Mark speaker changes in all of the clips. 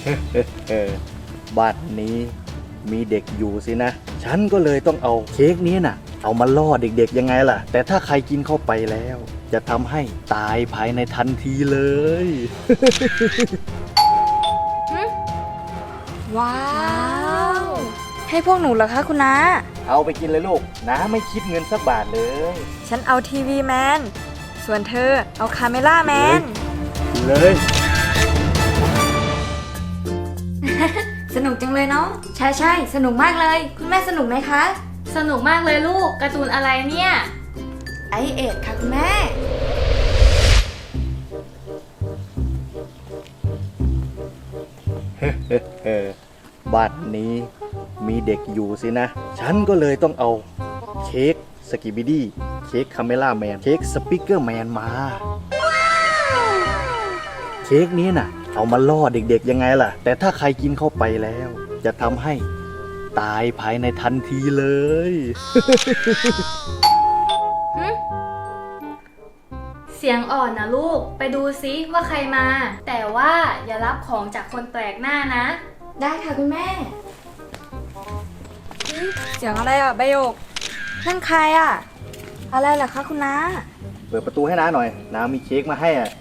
Speaker 1: บ้านนี้มีเด็กอยู่สินะฉันก็เลยต้องเอาเค้กนี้น่ะเอามาล่อเด็กๆยังไงล่ะแต่ถ้าใครกินเข้าไปแล้วจะทำให้ตายภายในทันทีเลย
Speaker 2: ว้าว ให้พวกหนูเหรอคะคุณน้า
Speaker 1: เอาไปกินเลยลูกนะไม่คิดเงินสักบาทเลย
Speaker 2: ฉันเอาทีวีแมนส่วนเธอเอาคาเมล่าแมน
Speaker 1: เลย
Speaker 2: สนุกจังเลยเนาะใช่สนุกมากเลยคุณแม่สนุกไหมคะ
Speaker 3: สนุกมากเลยลูกการ์ตูนอะไรเนี่ย
Speaker 2: ไอเอ็ดค่ะคุณแม่
Speaker 1: บ้านนี้มีเด็กอยู่สินะฉันก็เลยต้องเอาเค้กสกิบิดี้เค้กคาเมล่าแมนเค้กสปิเกอร์แมนมาเค้กนี้น่ะเอามาล่อเด็กๆยังไงล่ะแต่ถ้าใครกินเข้าไปแล้วจะทำให้ตายภายในทันทีเลย
Speaker 3: เสียงอ่อนนะลูกไปดูซิว่าใครมาแต่ว่าอย่ารับของจากคนแปลกหน้านะ
Speaker 2: ได้ค่ะคุณแม่เสียงอะไรอ่ะใบโยกนั่นใครอ่ะอะไรล่ะคะคุณน้า
Speaker 1: เปิดประตูให้น้าหน่อยน้ามีเค้กมาให้อ่ะ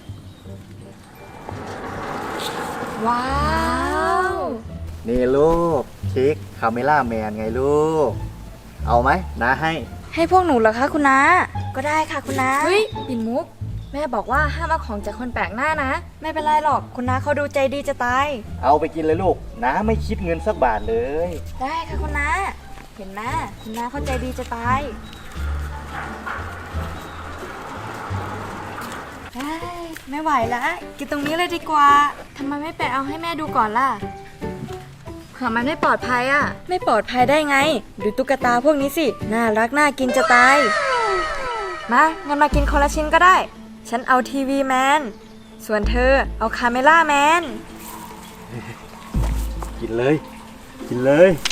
Speaker 2: ว้าว
Speaker 1: นี่ลูกเค้กคาเมล่าแมนไงลูกเอาไหมน้าให้
Speaker 2: พวกหนูเหรอคะคุณน้าก็ได้ค่ะคุณน้าเฮ้ยปิ่นมุกแม่บอกว่าห้ามเอาของจากคนแปลกหน้านะไม่เป็นไรหรอกคุณน้าเขาดูใจดีจะตาย
Speaker 1: เอาไปกินเลยลูกน้าไม่คิดเงินสักบาทเลย
Speaker 2: ได้ค่ะคุณน้าเห็นไหมคุณน้าเขาใจดีจะตายไม่ไหวแล้วกินตรงนี้เลยดีกว่าทำไมไม่ไปเอาให้แม่ดูก่อนล่ะเผื่อมันไม่ปลอดภัยอ่ะไม่ปลอดภัยได้ไงดูตุ๊กตาพวกนี้สิน่ารักน่ากินจะตายมางั้นมากินคนละชิ้นก็ได้ฉันเอาทีวีแมนส่วนเธอเอาคาเมล่าแมน
Speaker 1: กินเลยกินเลย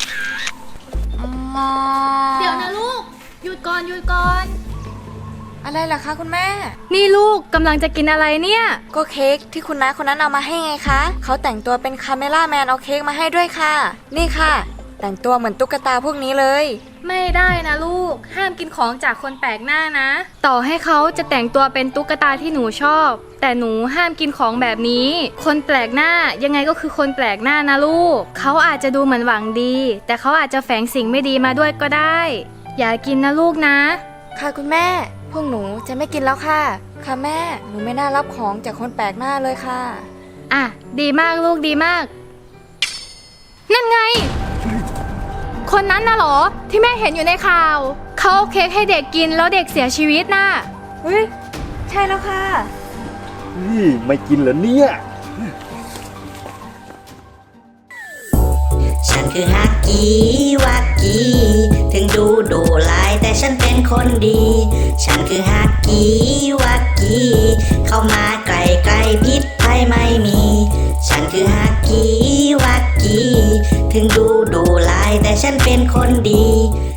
Speaker 3: เดี๋ยวนะลูกหยุดก่อน
Speaker 2: อะไรล่ะคะคุณแม่
Speaker 3: นี่ลูกกำลังจะกินอะไรเนี่ย
Speaker 2: ก็เค้กที่คุณน้าคนนั้นเอามาให้ไงคะเขาแต่งตัวเป็นคาเมล่าแมนเอาเค้กมาให้ด้วยค่ะนี่ค่ะแต่งตัวเหมือนตุ๊กตาพวกนี้เลย
Speaker 3: ไม่ได้นะลูกห้ามกินของจากคนแปลกหน้านะต่อให้เขาจะแต่งตัวเป็นตุ๊กตาที่หนูชอบแต่หนูห้ามกินของแบบนี้คนแปลกหน้ายังไงก็คือคนแปลกหน้านะลูกเขาอาจจะดูเหมือนหวังดีแต่เขาอาจจะแฝงสิ่งไม่ดีมาด้วยก็ได้อย่ากินนะลูกนะ
Speaker 2: ค่ะคุณแม่พวกหนูจะไม่กินแล้วค่ะค่ะแม่หนูไม่น่ารับของจากคนแปลกหน้าเลยค่ะ
Speaker 3: อ่ะดีมากลูกดีมากนั่นไงคนนั้นน่ะเหรอที่แม่เห็นอยู่ในข่าวเขาเอาเค้กให้เด็กกินแล้วเด็กเสียชีวิตน่ะ
Speaker 2: เฮ้ยใช่แล้วค่ะ
Speaker 1: นี่ไม่กินเหรอเนี่ย
Speaker 4: ฉันคือฮักกี้วักกี้ถึงดูลายแต่ฉันเป็นคนดีฉันคือฮักกี้วักกี้เข้ามาใกล้พิษภัยไม่มีฉันคือฮักกี้วักกี้ถึงดูลายแต่ฉันเป็นคนดี